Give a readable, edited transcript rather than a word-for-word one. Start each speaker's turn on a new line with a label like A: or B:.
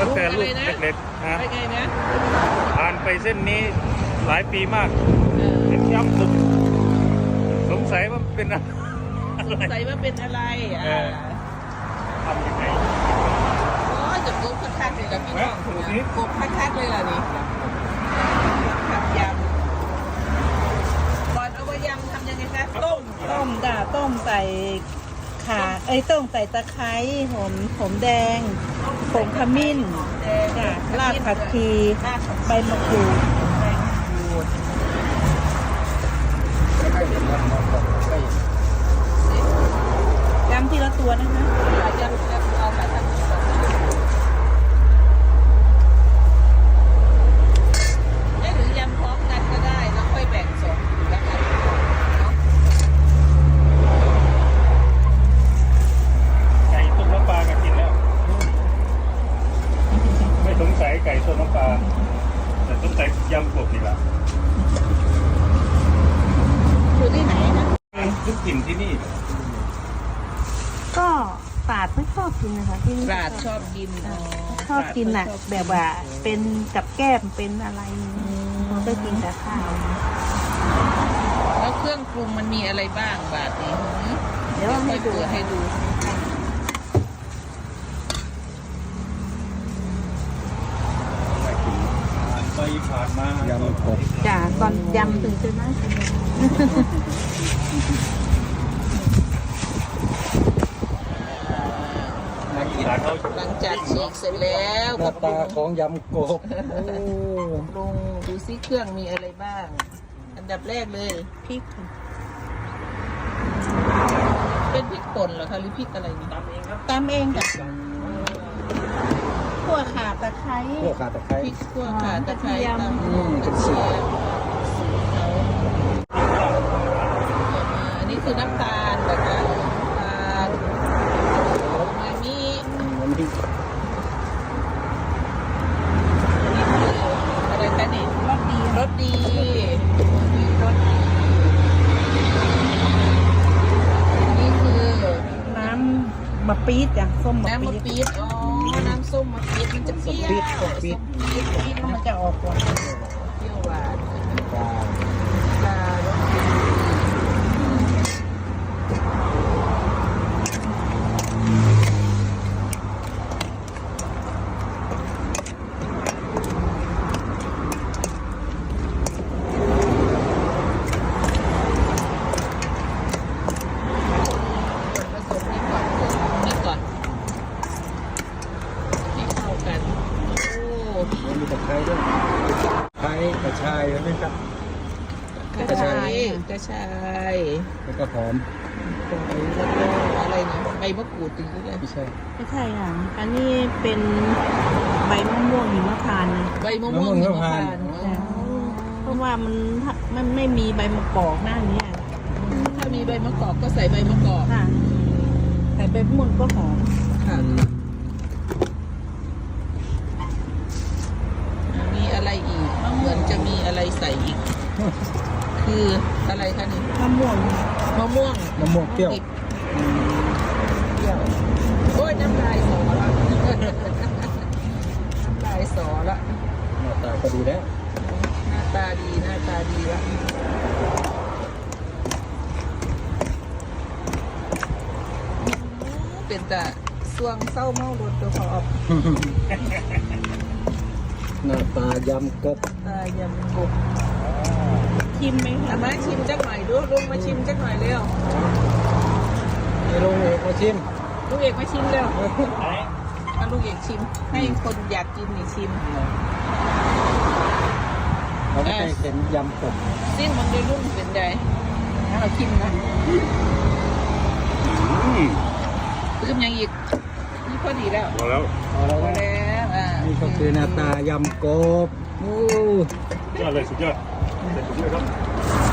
A: ตั้งแต่ลูกเล็กๆนะ
B: ไปไงนะ
A: ผ่านไปเส้นนี้หลายปีมากเห็นย้ำสุดสงสัยว่าเป็นอะไร
B: สงสัยว่าเป็นอะไร
A: ทำยังไง
B: โอ้จะกบคักๆเลยกับพี่น้องกบคักๆเลยล่ะนี่ผัดยำก่อนเอาไปยำทำยังไงคะต้ม
C: จ้ะต้มใส่ข่าต้มใส่ตะไคร้หอมแดงผงขมิ้นจ้ะรากผักชีใบมะกรูดยำทีละตัวนะคะ
B: ยำเอาแบบนั้นหรือยำพร้อมกันก็ได้แล้วค่อยแบ่งส่วนแล้วกัน
A: ไก่ต้มน้ำปลาก็กินแล้วไม่สงสัยไก่ต้มน้ำปลาแต่สงสัยยำกบนี่แหละ
B: อยู่ที่ไหนนะ
A: ทุกกลิ่นที่นี่
C: ก็ปาดไม่ชอบกินนะคะที่นี่
B: ปราดชอบกิน
C: ชอบกินน่ะแบบว่าเป็นกับแก้มเป็นอะไรมันก็กินแต่ข้าว
B: แล้วเครื่องปรุงมันมีอะไรบ้างบาทนี้
C: เดี๋ยวให้ดู
A: ไปผ่านมายำกบ
C: จ้ะตอนยำถึงจะน่ากิน
B: หลังจากฉีกเสร็จแล้ว
D: หน้าตาของยำกบ
B: ปรุงดูซิเครื่องมีอะไรบ้าง อันดับแรกเลย
C: พริก
B: เป็นพริกป่นเหรอคะหรือพริกอะไรนี่ตำเองครับ
C: ตำเองจ้ะขั่วข่าตะไคร้
D: ขั่วข่าตะไคร้
B: พริกขั่วข่าตะไคร้ตำ
D: กระเทียม
B: อันนี้คือน้ำตาลนะคะ
D: มันดี
B: อะไรคะนี่รสดีนี่คือ
C: น้ำมะปี๊ดจ้ะส้มมะ
B: ปี๊ดอ๋อน้ำส้มมะปี๊ดมันจะเปรี้ยว
C: ปี๊ดมันจะออกหวาน
B: เปรี้ยวหวานปลา
D: มีตะไคร้ด้วยไคร้กระชายใช่ไหมครับ
B: กระชาย
D: แล้วก็หอม
B: แล้วก็อะไรนะใบมะกรูดตีด้วย
D: ไม่ใช่
C: ค่ะอันนี้เป็นใบมะม่วงหิมพานต์นะ
B: ใบมะม่วงหิมพานต์
C: เพราะว่ามันไม่มีใบมะกอกหน้านี้
B: ถ้ามีใบมะกอกก็ใส่ใบมะกอก
C: ค่ะใส่ใบมะม่วงก็หอม
B: ค่ะมีอะไรอีกเหมือนจะมีอะไรใส่อีกคืออะไรคะนี่
C: มะม่วง
D: เปรี้ยว
B: โอ้ยน้ำลายสอละน้ำลายสอละ
D: หน้าตาก็ดีแล้ว
B: หน้าตาดีละเป็นแต่สวงเศร้าเมารถตัวขอบ
D: หน้าตายำกบ
C: ชิมไหม
B: คะมาชิมจักหน่อยดูลุงมาชิมจักหน่อยเร็ว
D: ลุงเอกมาชิม
B: ลุงเอกมาชิมเร็วมาลุงเอกชิมให้คนอยากกินนี่ชิม
D: เราไม่เคยเห็นยำกบ
B: สิ้นมันด้วยลุงเป็นไงเราชิมนะลืมยังอีกนี่พอดีแล้ว
A: พอแล้ว
D: นี่ก็คือหน้าตายำกบ
A: สุดยอดเลยครับ